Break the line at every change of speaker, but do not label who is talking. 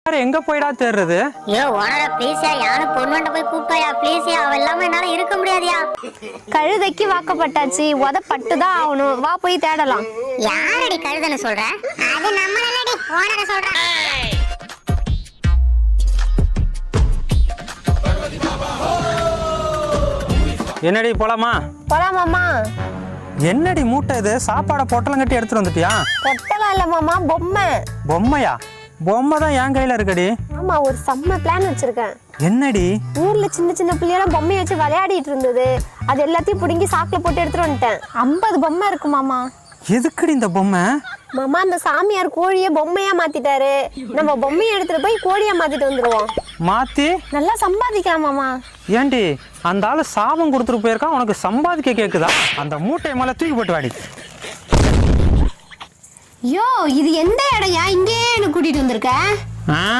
எங்க போய்டா தேடுறது?
ஐயோ ஓனரா ப்ளீஸ்யா, யானை பொண்ணுண்ட போய் கூப்பிட்டாயா ப்ளீஸ்யா, அவ இல்லாம என்னால இருக்க முடியாதியா.
கழுதைக்கு வாக்கப்பட்டாச்சு, உதப்பட்டுதான் ஆகணும். வா போய் தேடலாம்.
யாரடி கழுதைன்னு சொல்ற? அது நம்ம இல்லடி, ஓனர சொல்ற.
என்னடி போலாமா?
போலாமாமா?
என்னடி மூட்டை இது? சாப்பாடை பொட்டலம் கட்டி எடுத்துட்டு வந்துட்டியா?
பொட்டலாம் இல்ல மாமா, பொம்மை.
பொம்மையா? பொம்மை தான் என் கையில இருக்குடி.
ஆமா, ஒரு செம்ம பிளான் வச்சிருக்கேன்.
என்னடி?
ஊர்ல சின்ன சின்ன பிள்ளையெல்லாம் பொம்மையை வச்சு விளையாடிட்டு இருந்தது. அது எல்லாத்தையும் பிடுங்கி சாக்குல போட்டு எடுத்துட்டு வந்துட்டேன். 50 பொம்மை இருக்கு மாமா.
எதுக்குடி இந்த பொம்மை?
மாமா, அந்த சாமியார் கோழியை பொம்மையா மாத்திட்டாரு. நம்ம பொம்மையை எடுத்துட்டு போய் கோழியா மாத்திட்டு வந்துருவோம்.
மாத்தி
நல்லா சம்பாதிக்கலாம் மாமா.
ஏண்டி அந்த ஆளு சாபம் கொடுத்துட்டு போயிருக்கான், உனக்கு சம்பாதிக்க கேக்குதா? அந்த மூட்டை மேல தூக்கி போட்டு வாடி.
யோ, இது எந்த இடையா? இங்கே என்ன கூட்டிட்டு வந்திருக்க?